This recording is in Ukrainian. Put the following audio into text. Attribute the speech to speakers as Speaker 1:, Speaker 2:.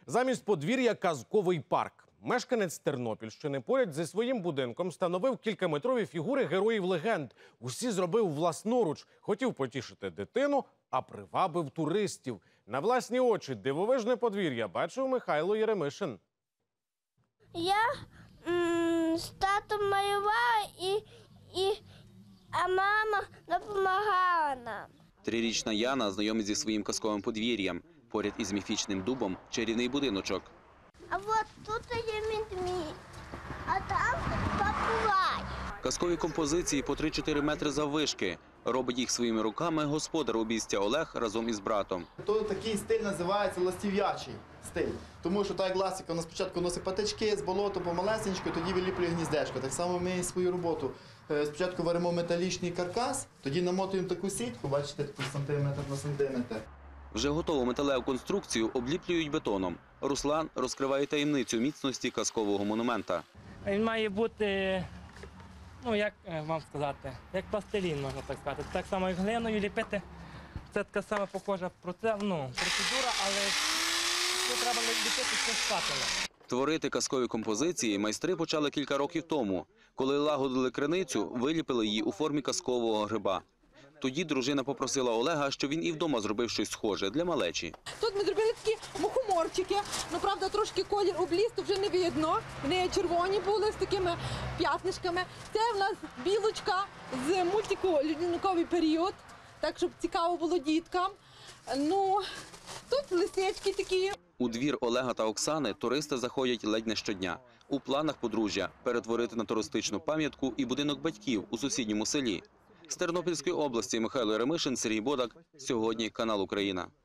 Speaker 1: Замість подвір'я – казковий парк. Мешканець Тернопільщини поряд зі своїм будинком встановив кількаметрові фігури героїв-легенд. Усі зробив власноруч. Хотів потішити дитину, а привабив туристів. На власні очі дивовижне подвір'я бачив Михайло Єремишин.
Speaker 2: Я з татом малювала, а мама допомагала нам.
Speaker 3: Трирічна Яна знайомить зі своїм казковим подвір'ям. Поряд із міфічним дубом – чарівний будиночок.
Speaker 2: А от тут є ведмідь, а там попугай.
Speaker 3: Казкові композиції по 3-4 метри заввишки. Робить їх своїми руками господар обійстя Олег разом із братом.
Speaker 4: Такий стиль називається ластів'ячий стиль. Тому що так як ластівка, вона спочатку носить патички з болоту помалесенько, тоді виліплює гніздечко. Так само ми і свою роботу. Спочатку варимо металічний каркас, тоді намотуємо таку сітку, бачите, таку сантиметр на сантиметр.
Speaker 3: Вже готову металеву конструкцію обліплюють бетоном. Руслан розкриває таємницю міцності казкового монумента.
Speaker 5: Він має бути, як вам сказати, як пластилін, можна так сказати. Так само, як глиною ліпити. Це така сама похожа процедура, але тут треба ліпити все спателем.
Speaker 3: Творити казкові композиції майстри почали кілька років тому. Коли лагодили криницю, виліпили її у формі казкового гриба. Тоді дружина попросила Олега, щоб він і вдома зробив щось схоже для малечі.
Speaker 6: Тут ми зробили такі мухоморчики, правда трошки колір обліз, то вже не видно. Вони червоні були з такими п'ятнишками. Це в нас білочка з мультику «Льодяниковий період», так щоб цікаво було діткам. Тут лисички такі.
Speaker 3: У двір Олега та Оксани туристи заходять ледь не щодня. У планах подружжя – перетворити на туристичну пам'ятку і будинок батьків у сусідньому селі. З Тернопільської області Михайло Єремишин, Сергій Бодак. Сьогодні канал Україна.